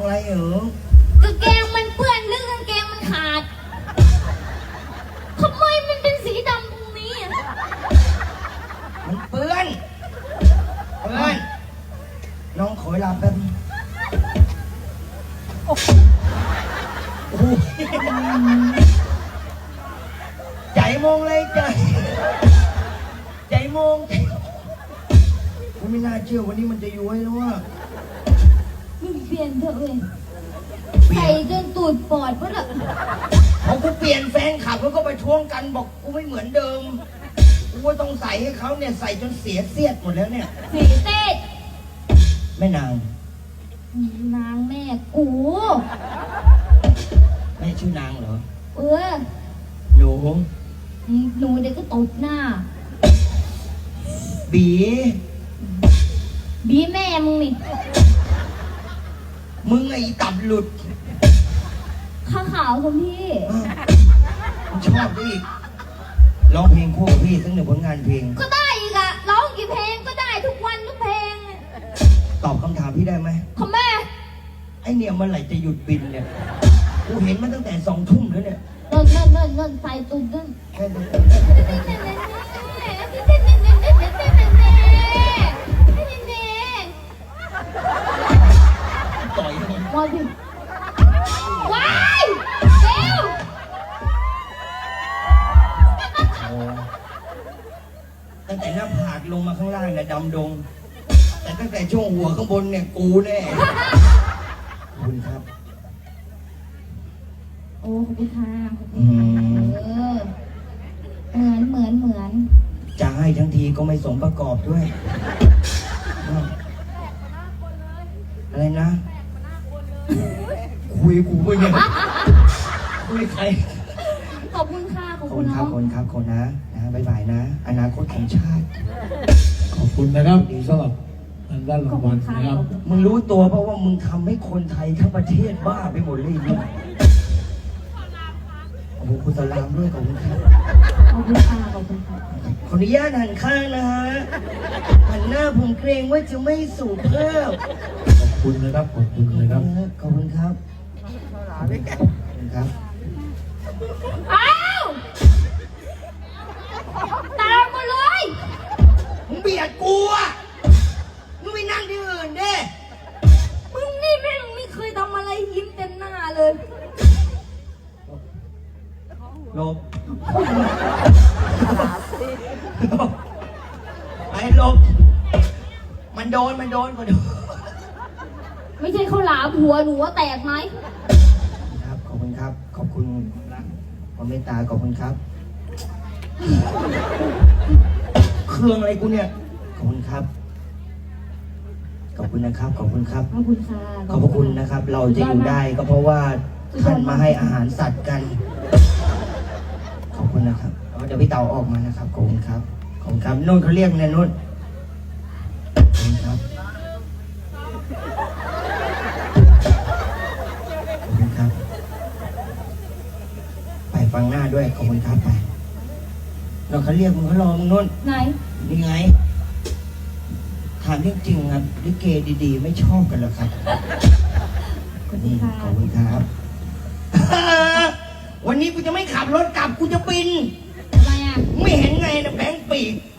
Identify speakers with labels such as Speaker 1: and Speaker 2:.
Speaker 1: อะไรเหรอกางเกงมันเปื้อนหรือกางเกงมันขาดทำไมมันเป็นสีดำตรงนี้
Speaker 2: มันเปื้อนน้องขอเวลาแป๊บโอ้โหใจมองเลยใจมองผมไม่น่าเชื่อวันนี้มันจะย้วยแล้วว่า
Speaker 1: มึงเปลี่ยนเถอะเว้ยใส่จนตูดปอดก็ละ
Speaker 2: พอกูเปลี่ยนแฟนขับแล้วก็ไปท้วงกันบอกกูไม่เหมือนเดิมกูว่าต้องใส่ให้เขาเนี่ยใส่จนเสียเสียดหมดแล้วเนี่ย
Speaker 1: สีเต้
Speaker 2: แม่นาง
Speaker 1: แม่กู
Speaker 2: แม่ชื่อนางเหรอห
Speaker 1: นูเด็กก็ตบหน้า
Speaker 2: บี
Speaker 1: แม่มึงนี่
Speaker 2: มึงไอ้ตับหลุด
Speaker 1: ข้าขาวคุณพี่
Speaker 2: ชอบดิร้องเพลงคู่กับพี่สักหนึ่งผลงานเพลง
Speaker 1: ก็ได้อีกอะร้องกี่เพลงก็ได้ทุกวันทุกเพลง
Speaker 2: ตอบคำถามพี่ได้ไหม
Speaker 1: คุณแม่
Speaker 2: ไอเนี่ยเมื่อไหร่จะหยุดบินเนี่ยกูเห็นมาตั้งแต่2 ทุ่มแล้วเนี่ย
Speaker 1: นั่นไฟตุ่นนั่น
Speaker 2: ต่อย
Speaker 1: มาดิว้ายเร็ว
Speaker 2: ตั้งแต่หน้าผากลงมาข้างล่างเนี่ยดำดงแต่ตั้งแต่ช่วงหัวข้างบนเนี่ยกูแน่ขอบคุณครับ
Speaker 1: โอ้ขอบคุณค่ะเหมือน
Speaker 2: จะให้ทั้งทีก็ไม่สมประกอบด้วยอะไรนะคุยกูไม่เนี่ยคุยใคร
Speaker 1: ขอบคุณค่ะขอบคุณ
Speaker 2: ครับคนนะบ๊ายบายนะอนาคตของชาติ
Speaker 3: ขอบคุณนะครับสำหรับด้านรางวัลนะครับ
Speaker 2: มึงรู้ตัวเพราะว่ามึงทำให้คนไทยทั้งประเทศบ้าไปหมดเลยเนี่ยโอ้โหคุณสลามด้วยขอบคุณครับ
Speaker 1: ขอบคุณค่ะข
Speaker 2: ออนุญาตหันข้างนะฮะหันหน้าผมเกรงว่าจะไม่สูบเพิ่ม
Speaker 3: ขอบคุณนะครับขอบคุณนะครับ
Speaker 2: ขอบคุณครับ
Speaker 1: อ้าวตามมาเลย
Speaker 2: มึงเบียดกูอ่ะมึงไปนั่งที่อื่นดิ
Speaker 1: มึงนี่แม่งไม่เคยทำอะไรยิ้มเต็มหน้าเลย
Speaker 2: ลบไอ้ลบมันโดนก็โดน
Speaker 1: ไม่ใช่ข้าวหลามหัวหนูว่าแตกไหม
Speaker 2: ครับขอบคุณครับขอบคุณความเมตตาขอบคุณครับเครื่องอะไรกูเนี่ยขอบคุณครับขอบคุณนะครับขอบคุณครับ
Speaker 1: ขอบคุณค่ะ
Speaker 2: ขอบคุณนะครับเราจะอยู่ได้ก็เพราะว่าท่านมาให้อาหารสัตว์กันขอบคุณนะครับเดี๋ยวพี่เต่าออกมานะครับขอบคุณครับขอบคุณครับนุ่นเขาเรียกเนี่ยนุ่นขอบคุณครับขอบคุณครับไปฟังหน้าด้วยขอบคุณครับไปเราเขาเรียกมึงเขารอมึงนุ่น
Speaker 1: ไหน
Speaker 2: นี่ไงถามจริงๆครับลิเกดีๆไม่ชอบกันหรอครับ
Speaker 1: ขอบคุณค่ะ
Speaker 2: ขอบคุณครับวันนี้กูจะไม่ขับรถกลับกูจะบิน
Speaker 1: ทำไมอ่ะ
Speaker 2: ไม่เห็นไงนะแบงค์ปีก